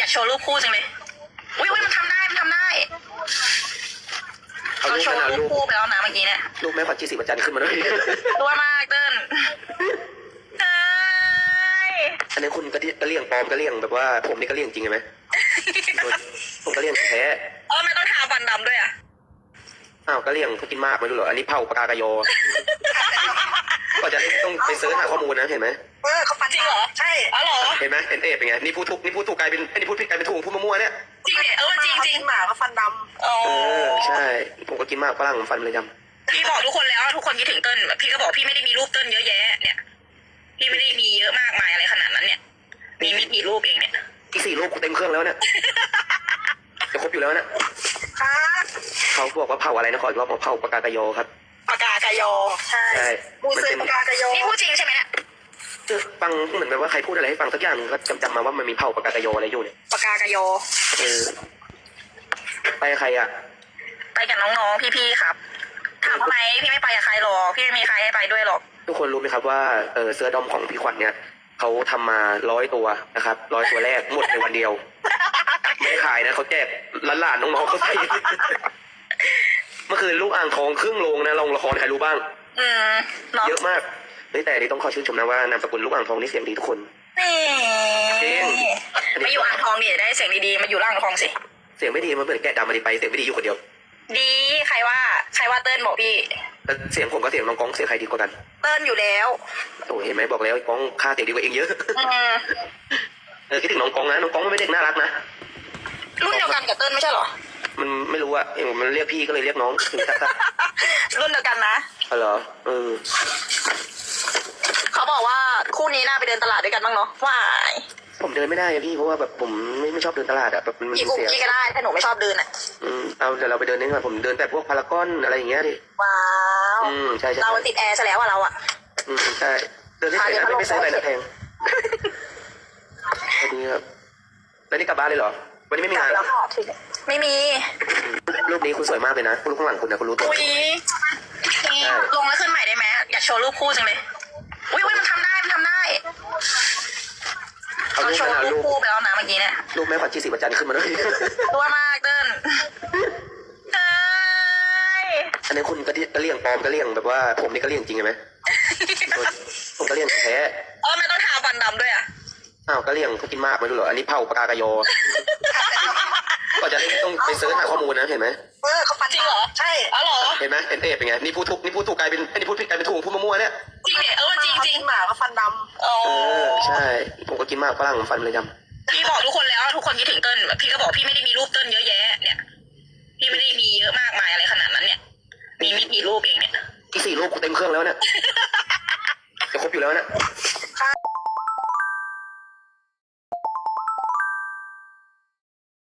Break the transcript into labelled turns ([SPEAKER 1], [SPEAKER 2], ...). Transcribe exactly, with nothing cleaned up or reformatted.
[SPEAKER 1] ากโชว์รูปคู่จังเลยอุ้ยอุ้ยมันทำได้มันทำได้เราโชว์รูปคู่ไปแล้วนะเมื่อกี้เนี่ย
[SPEAKER 2] รูปแม่ขวัญจีสีประจันขึ้นมาด้วย
[SPEAKER 1] ตัวมากเติ้ลเฮ้ย
[SPEAKER 2] อันนี้คุณกระกระเลี่ยงปลอมกระเลี่ยงแบบว่าผมนี่กระเลี่ยงจริงใช่ไหมผมกระเลี่ยงแท้
[SPEAKER 1] เออไม่ต้องทาฟันดำด้วยอ่ะ
[SPEAKER 2] อ้าวกระเลี่ยงเขากินมากไม่รู้เหรออันนี้เผาปากกากะโยก็จะต้องไปเสิร์ชหาข้อมูลนะเห็นไหม
[SPEAKER 1] เออเขาฟันจริงเหรอใช่อ๋อเหรอ
[SPEAKER 2] เห็นไหมเอ็นเอเป็นไงนี่พูดถูกนี่พูดถูกกลายเป็นไอ้นี่พูดผิดกลายเป็นถูกพูดมั่วๆเนี่ย
[SPEAKER 1] จริงเหรอเออจริงจริง
[SPEAKER 3] หมาก็ฟันดำ
[SPEAKER 2] เออใช่ผมก็กินมากฝรั่งฟันเลยจ
[SPEAKER 1] ำพี่บอกทุกคนแล้วทุกคนคิดถึงเติ้ลพี่ก็บอกพี่ไม่ได้มีรูปเติ้ลเยอะแยะเนี่ยพี่ไม่ได้มีเยอะมากมายอะไรขนาดนั้นเนี่ยมีไม่กี่รูปเองเนี่ย
[SPEAKER 2] อีกสี่รูปกูเต็มเครื่องแล้วเนี่ยจะครบอยู่แล้วเนี่ยเขาบอกว่าเผาอะไรนะขออีกรอบเผาปากกากะโยครับ
[SPEAKER 1] ปากกากะโย
[SPEAKER 3] ใช่มูเซปากกากะโย
[SPEAKER 1] นี่พูดจริงใช่ไหมเนี่ย
[SPEAKER 2] ฟังเหมือนแบบว่าใครพูดอะไรให้ฟังสักอย่างก็จำจำมาว่ามันมีเผาปากกากะโยอะไรอยู่เนี่ย
[SPEAKER 1] ปากกากะโย
[SPEAKER 2] เออไปใครอ่ะ
[SPEAKER 1] ไปกับน้องๆพี่ๆครับถามทำไมพี่ไม่ไปกับใครหรอกพี่ไม่มีใครให้ไปด้วยหรอก
[SPEAKER 2] ทุกคนรู้ไหมครับว่าเออเสื้อดอมของพี่ขวัญเนี่ยเขาทำมาร้อยตัวนะครับร้อยตัวแรกหมดในวันเดียวไม่ขายนะเขาแจกหลานๆน้องๆเขาใส่เมื่อคืนลูกอ่างทองครึ่งโรงนะลงละครใครรู้บ้าง
[SPEAKER 1] อืม
[SPEAKER 2] เยอะมากนี่แต่นี่ต้องขอชื่นชมนะว่านามสกุลลูกอ่างทองนี่เสียงดีทุกคน
[SPEAKER 1] นี่มาอยู่อ่างทองนี่ได้เสียงดีๆมาอยู่ล่างทองสิ
[SPEAKER 2] เสียงไม่ดีมันเหมือนแกะดำมาดีไปเสียงไม่ดีอยู่คนเดียว
[SPEAKER 1] ดีใครว่าใครว่าเติ้ลบอกพี่
[SPEAKER 2] เสียงผมกับเสียงน้องก้องเสียงใครดีกว่ากัน
[SPEAKER 1] เติ้ลอยู่แล้ว
[SPEAKER 2] โอ้เห็นไหมบอกแล้วก้องค่าเสียงดีกว่าเองเยอะเออคิดถึงน้องก้องนะน้องก้องมันไม่เด็กน่ารักนะ
[SPEAKER 1] รุ่นเดียวกันกับเติ้ลไม่ใช่หรอ
[SPEAKER 2] มันไม่รู้อะเองมันเรียกพี่ก็เลยเรียกน้อง
[SPEAKER 1] รุ่นเดียวกันนะ
[SPEAKER 2] อ๋อเหรอเออ
[SPEAKER 1] เขาบอกว่าคู่นี้น่าไปเดินตลาดด้วยกันบ้างเนาะว่าย
[SPEAKER 2] ผมเดินไม่ได้พี่เพราะว่าแบบผมไม่ไม่ชอบเดินตลาดอะแบบมัน
[SPEAKER 1] เสียพี่ก็ได้ถ้าหนูไม่ชอบเดินอะ
[SPEAKER 2] อืมเอาเดี๋ยวเราไปเดินนี่ก่อนผมเดินแต่พวกพารากอนอะไรอย่างเงี้ยดิ
[SPEAKER 1] ว้าว
[SPEAKER 2] อืมใช่ใช่
[SPEAKER 1] เราติดแอร์ซะแล้วอะเราอะ
[SPEAKER 2] อืมใช่เดินได้แต่ไม่ไม่ซื้ออะไรนะแพงสวัสดีครับแล้วนี่กลับบ้านเลยเหรอวันนี้ไม่มีงาน
[SPEAKER 1] ไม่มี
[SPEAKER 2] รูปนี้คุณสวยมากเลยนะคุณรูปข้างหลังคุณนะคุณรู้ตัว
[SPEAKER 1] อุ้ยลงแล้วขึ้นใหม่ได้ไหมอยากโชว์รูปคู่จังเลยอุ้ยอุ้ยมันทำได้มันทำได้เราโชว์รูปคู่ไปแล้วนะเมื่อกี้เนี่ย
[SPEAKER 2] รูปแม่ขวัญจีสีประจันขึ้นมาด้วย
[SPEAKER 1] ตัวมากเติ้ลเฮ้ย
[SPEAKER 2] อันนี้คุณกระกระเลี่ยงปลอมกระเลี่ยงแบบว่าผมนี่กระเลี่ยงจริงใช่ไหมผมกระเลี่ยงแท้
[SPEAKER 1] เออไม่ต้องทาฟันดำด้วยอ่ะ
[SPEAKER 2] อ้าวกระเลี่ยงเขากินมากไม่รู้เหรออันนี้เผาปากกากะโยก็จะต้องไปเสิร์ชหาข้อมูลนะเห็นไหม
[SPEAKER 3] เออเขาฟัน
[SPEAKER 1] จริงเหรอ
[SPEAKER 3] ใช่
[SPEAKER 1] อ๋อเหรอ
[SPEAKER 2] เห็นไหมเอ็นเอเป็นไงนี่พูดถูกนี่พูดถูกกลายเป็นไอ้นี่พูดผิดกลายเป็นถูกพูดมั่วๆเนี่ย
[SPEAKER 1] จริงเหรอเออจริงจริง
[SPEAKER 3] หมาก็ฟันดำ
[SPEAKER 1] เอ
[SPEAKER 2] อใช่ผมก็กินมากฝรั่งฟันเลยจ
[SPEAKER 1] ำพี่บอกทุกคนแล้วทุกคนคิดถึงเติ้ลพี่ก็บอกพี่ไม่ได้มีรูปเติ้ลเยอะแยะเนี่ยพี่ไม่ได้มีเยอะมากมายอะไรขนาดนั้นเนี่ยมีไม่กี่รูปเองเนี่ย
[SPEAKER 2] อีกสี่รูปกูเต็มเครื่องแล้วเนี่ยจะครบอยู่แล้วเนี่ย